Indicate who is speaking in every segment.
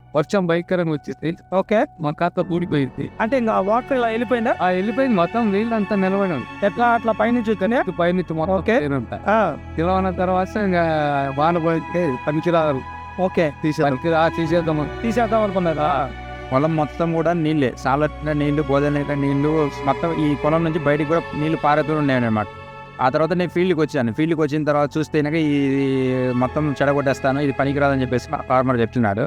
Speaker 1: వర్షం భయంకరంగా వచ్చేసి
Speaker 2: ఓకే.
Speaker 1: మా ఖాతా కూడిపోయింది.
Speaker 2: అంటే ఇంకా వాటర్ ఇలా వెళ్ళిపోయిందా?
Speaker 1: ఆ వెళ్ళిపోయింది మొత్తం నీళ్ళంతా నిలబడి ఉంది.
Speaker 2: ఎట్లా అట్లా పైనుంచి వస్తేనే?
Speaker 1: పైనుంచి మొత్తం
Speaker 2: ఓకే.
Speaker 1: నీరంతా.
Speaker 2: ఆ,
Speaker 1: నిలవన తర్వాత ఇంకా వాన పోయితే పనికిరాదు
Speaker 2: ఓకే.
Speaker 1: తీసేద్దాం.
Speaker 2: తీసేద్దాం అనుకున్నారా?
Speaker 3: పొలం మొత్తం కూడా నీళ్ళే, సాలట్ల నీళ్లు, గోదావరి నీళ్లు, మొత్తం ఈ పొలం నుంచి బయటికి కూడా నీళ్లు పారుతూ ఉన్నాయన్నమాట. ఆ తర్వాత నేను ఫీల్డ్కి వచ్చాను. ఫీల్డ్కి వచ్చిన తర్వాత చూస్తే ఇది మొత్తం చెడగొట్టేస్తాను, ఇది పనికిరాదని చెప్పేసి మా ఫార్మర్ చెప్తున్నాడు.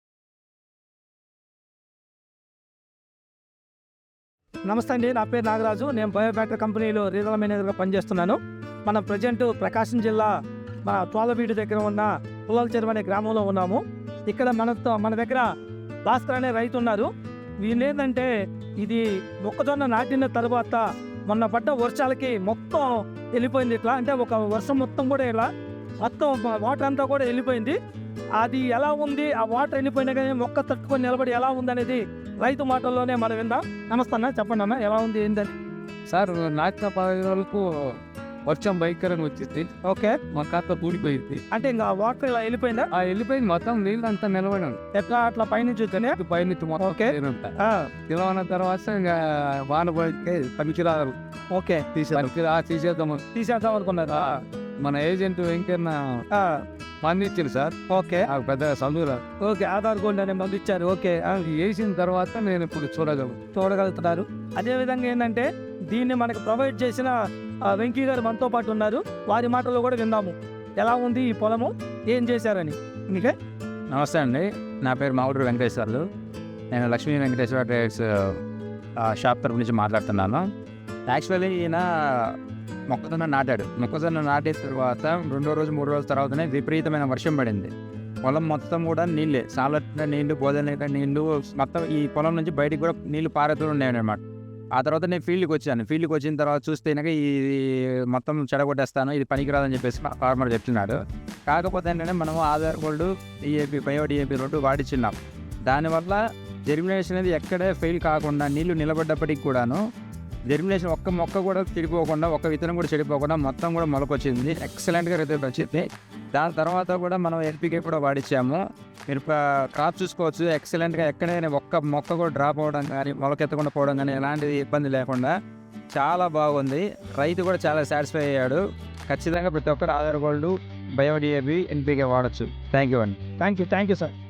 Speaker 2: నమస్తే అండి, నా పేరు నాగరాజు. నేను బయోబ్యాటర్ కంపెనీలో రీజనల్ మేనేజర్గా పనిచేస్తున్నాను. మనం ప్రజెంట్ ప్రకాశం జిల్లా మన తోలబీడు దగ్గర ఉన్న పుల్లల చెరువు అనే గ్రామంలో ఉన్నాము. ఇక్కడ మన దగ్గర భాస్కర్ అనే రైతు ఉన్నారు. వీళ్ళేంటంటే ఇది మొక్కజొన్న నాటిన తర్వాత మొన్న పడ్డ వర్షాలకి మొత్తం వెళ్ళిపోయింది. ఇట్లా అంటే ఒక వర్షం మొత్తం కూడా ఇలా మొత్తం వాటర్ అంతా కూడా వెళ్ళిపోయింది. అది ఎలా ఉంది, ఆ వాటర్ వెళ్ళిపోయినా కానీ మొక్క తట్టుకొని నిలబడి ఎలా ఉంది అనేది రైతు మాటల్లోనే మనం విందాం. నమస్తే అన్న, చెప్పండి అన్న, ఎలా ఉంది ఏంటని?
Speaker 1: సార్ నాటిన 10 రోజులకు వర్షం భయంకరంగా వచ్చేసి
Speaker 2: ఓకే.
Speaker 1: మా ఖాతా కూడిపోయింది.
Speaker 2: అంటే ఇంకా వాటర్ ఇలా వెళ్ళిపోయిందా?
Speaker 1: ఆ వెళ్ళిపోయింది మొత్తం నీళ్ళంతా నిలబడి ఉంది.
Speaker 2: ఎట్లా అట్లా పైనుంచి వస్తేనే?
Speaker 1: పైనుంచి మొత్తం
Speaker 2: ఓకే.
Speaker 1: నీరంతా.
Speaker 2: ఆ,
Speaker 1: నిలవన తర్వాత ఇంకా వాన పోయితే పనికిరాదు.
Speaker 2: ఓకే.
Speaker 1: తీసేద్దాం.
Speaker 2: తీసేద్దాం అనుకున్నారా?
Speaker 1: మన ఏజెంట్ వెంకన్న
Speaker 2: ఆ,
Speaker 1: మంది ఇచ్చారు సార్.
Speaker 2: ఓకే.
Speaker 1: నాకు పెద్ద చదువురా
Speaker 2: ఓకే. ఆధార్ గోల్డ్ అనే మంది ఇచ్చారు. ఓకే.
Speaker 1: వేసిన తర్వాత నేను ఇప్పుడు
Speaker 2: చూడగలుగుతున్నారు. అదేవిధంగా ఏంటంటే దీన్ని మనకు ప్రొవైడ్ చేసిన వెంకీ గారు మనతో పాటు ఉన్నారు. వారి మాటల్లో కూడా విందాము, ఎలా ఉంది ఈ పొలము, ఏం చేశారని. మీకే
Speaker 3: నమస్తే అండి, నా పేరు మావుడు వెంకటేశ్వర్లు. నేను లక్ష్మీ వెంకటేశ్వర ట్రేడర్స్ షాప్ తరపు నుంచి మాట్లాడుతున్నాను. యాక్చువల్లీ ఈయన మొక్కజొన్న నాటాడు. మొక్కజొన్న నాటిన తర్వాత 2వ రోజు 3 రోజుల తర్వాతనే విపరీతమైన వర్షం పడింది. పొలం మొత్తం కూడా నీళ్ళే, సాలట్ల నీళ్లు, గోదావరి నీళ్లు, మొత్తం ఈ పొలం నుంచి బయటికి కూడా నీళ్లు పారుతూ ఉన్నాయన్నమాట. ఆ తర్వాత నేను ఫీల్డ్కి వచ్చాను. ఫీల్డ్కి వచ్చిన తర్వాత చూస్తే ఇది మొత్తం చెడగొట్టేస్తాను, ఇది పనికిరాదని చెప్పేసి మా ఫార్మర్ చెప్తున్నాడు. కాకపోతే ఏంటంటే మనం Aadhaar gold, D A P, bio D A P 2 వాడిచ్చిన్నాం. దానివల్ల జెర్మినేషన్ అనేది ఎక్కడే ఫెయిల్ కాకుండా నీళ్లు నిలబడ్డప్పటికి కూడాను జెర్మినేషన్ ఒక్క మొక్క కూడా చెడిపోకుండా, ఒక్క విత్తనం కూడా చెడిపోకుండా మొత్తం కూడా మొలకొచ్చింది. ఎక్సలెంట్గా రిజల్ట్ వచ్చింది. దాని తర్వాత కూడా మనం ఎన్పికే కూడా వాడిచ్చాము. మీరు క్రాప్ చూసుకోవచ్చు, ఎక్సలెంట్గా ఎక్కడైనా ఒక్క మొక్క కూడా డ్రాప్ అవ్వడం కానీ, మొలకెత్తకుండా పోవడం కానీ ఎలాంటి ఇబ్బంది లేకుండా చాలా బాగుంది. రైతు కూడా చాలా సాటిస్ఫై అయ్యాడు. ఖచ్చితంగా ప్రతి ఒక్కరు Aadhaar gold, bio D A P, NPK వాడచ్చు. థ్యాంక్ యూ అండి.
Speaker 2: Thank you sir.